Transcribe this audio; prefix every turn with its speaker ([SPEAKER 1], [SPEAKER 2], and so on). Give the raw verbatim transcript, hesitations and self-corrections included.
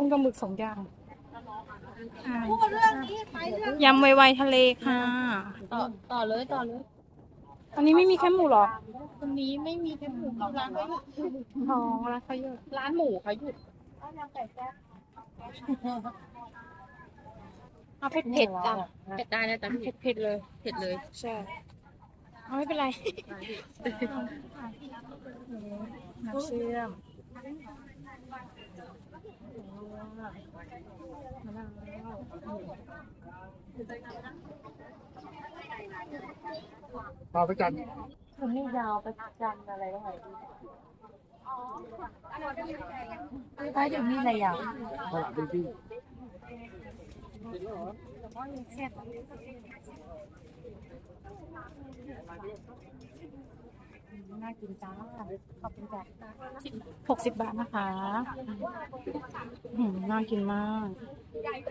[SPEAKER 1] กับหมึกสองอย่างอ่า
[SPEAKER 2] พูดเรื่องนี้ไปเรื่อง
[SPEAKER 1] ยำไวๆทะเลค่ะ
[SPEAKER 2] ต่อต่อเลยต่อเลย
[SPEAKER 1] อันนี้ไม่มีแค่หมูหรอ
[SPEAKER 2] วันนี้ไม่มีแค่หมูร้านเขาหยุด
[SPEAKER 1] ท้องแล้วเขาเยอะ
[SPEAKER 2] ร้านหมูเขาหยุด
[SPEAKER 1] เอาเผ็ดเผ็ดจ้ะ
[SPEAKER 2] เผ็ดได้นะแต่
[SPEAKER 1] เผ็ดเผ็ดเลย
[SPEAKER 2] เผ็ดเลย
[SPEAKER 1] ใช่เอาไม่เป็นไรน้ำเชื่อมมะนาว
[SPEAKER 3] พาไปกัน
[SPEAKER 2] คุณนี่ยาวไปจันอะไรก็ไหนถ้าอยู่นี่อะไรยาว
[SPEAKER 3] ตลาดเป็นที่
[SPEAKER 2] น่ากินจ้าขอบคุณจ้า
[SPEAKER 1] หกสิบบาทนะคะอืมน่ากินมาก